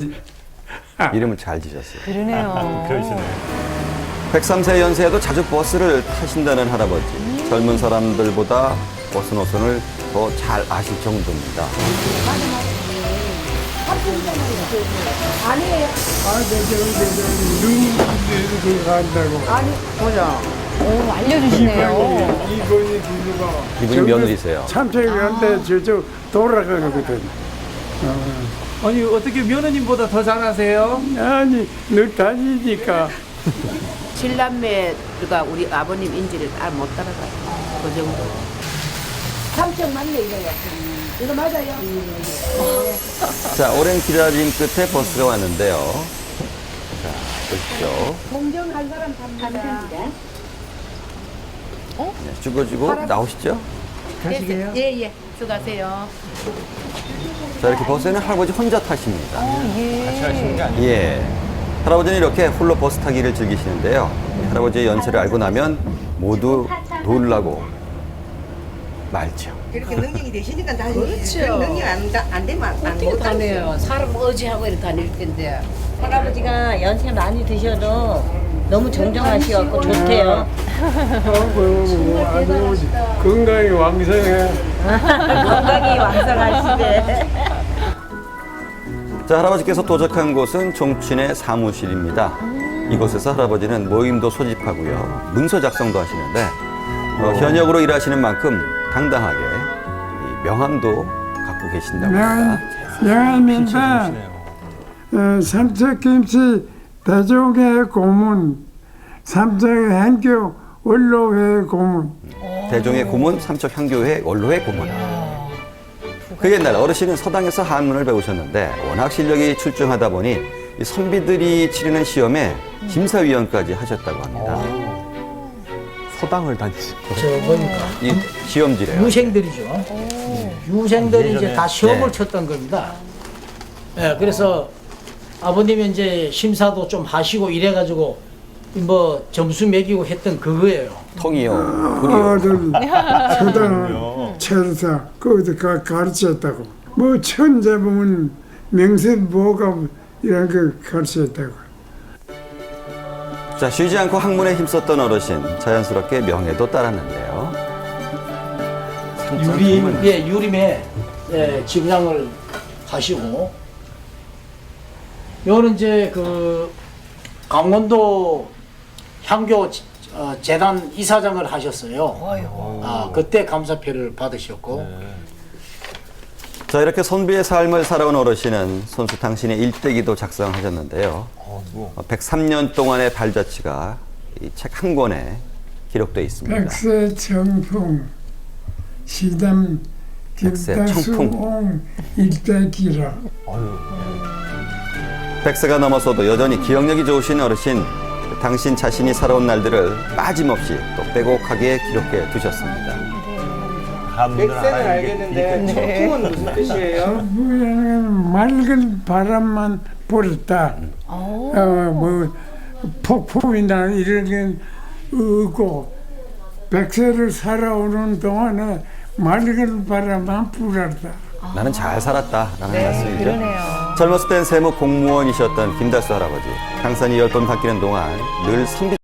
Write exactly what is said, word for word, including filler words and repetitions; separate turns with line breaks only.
이름을 잘 지셨어요.
그러네요.
그러시네.
백삼 세 연세에도 자주 버스를 타신다는 할아버지.
음.
젊은 사람들보다 버스 노선을 더 잘 아실 정도입니다.
아니에요.
아, 저, 저, 저, 저, 눈 이렇게 간다고.
아니, 보자.
오, 알려주시네요.
이번이, 이번이 길이가.
이분이 며느리세요.
참새이 한테 저쪽 돌아가거든. 어.
아니 어떻게 며느님보다 더 잘하세요?
아니, 너 다니니까.
칠남매가 우리 아버님 인지를 잘 못 따라가요. 그 정도. 삼천 맞네, 이거요. 이거 맞아요?
자, 오랜 기다림 끝에 버스가 왔는데요. 자, 보십시오.
공정한 사람 감사합니다.
네, 죽어지고 나오시죠?
가시게요?
예, 예. 수고하세요.
자, 이렇게 버스에는 할아버지 혼자 타십니다.
같이 하시는 게 아니에요?
예. 할아버지는 이렇게 홀로 버스 타기를 즐기시는데요. 이 할아버지의 연세를 알고 나면 모두 놀라고 말죠.
그렇게 능력이 되시니까 다시
그렇죠.
그런 능력 안, 다- 안 되면 안
어떻게
못
다녀요? 사람 의지하고 이렇게 다닐 텐데.
할아버지가 연세 많이 드셔도 너무 정정하시갖고 좋대요.
어이구, 아주 건강이 왕성해.
건강이 왕성하시대.
자, 할아버지께서 도착한 곳은 종친의 사무실입니다. 이곳에서 할아버지는 모임도 소집하고요. 문서 작성도 하시는데 어, 현역으로 일하시는 만큼 당당하게 이 명함도 갖고 계신다고 합니다.
명함인데,
좋으시네요.
어, 삼척김치 대종회 고문, 삼척행교 원로회 고문.
대종의 고문, 삼척향교회 원로회 고문. 그 옛날 어르신은 서당에서 한문을 배우셨는데 워낙 실력이 출중하다 보니 이 선비들이 치르는 시험에 심사위원까지 하셨다고 합니다.
서당을 다니시고.
저 보니까
이 시험지래요.
유생들이죠. 유생들이 이제
예전에.
다 시험을
네.
쳤던 겁니다. 예, 그래서 아버님이 이제 심사도 좀 하시고 이래가지고 뭐 점수 매기고 했던 그거예요.
통이요, 불이요.
아들 서당 철사 거기서 가, 가르쳤다고. 뭐 천자보면 명세보감 이런 거 가르쳤다고.
자, 쉬지 않고 학문에 힘썼던 어르신, 자연스럽게 명예도 따랐는데요.
유림,
삼척
예, 유림에 예, 집량을 하시고, 요는 이제 그 강원도 향교 어, 재단 이사장을 하셨어요. 아, 그때 감사표를 받으셨고,
자, 이렇게 선비의 삶을 살아온 어르신은 손수 당신의 일대기도 작성하셨는데요. 어, 백삼 년 동안의 발자취가 이 책 한 권에 기록되어 있습니다.
백세 청풍 시담
백세
김다수옹 일대기라.
백세가 넘어서도 여전히 기억력이 좋으신 어르신, 당신 자신이 살아온 날들을 빠짐없이 또 빼곡하게 기록해 두셨습니다.
백세는 알겠는데 청풍은 무슨 뜻이에요?
청풍이라는 맑은 바람만 불었다. 어, 뭐 폭풍이나 이런 게 없고 백세를 살아오는 동안에 맑은 바람만 불었다.
나는 잘 살았다라는
네,
말씀이죠.
그러네요.
젊었을 땐 세무 공무원이셨던 김달수 할아버지. 강산이 열 번 바뀌는 동안 늘 선비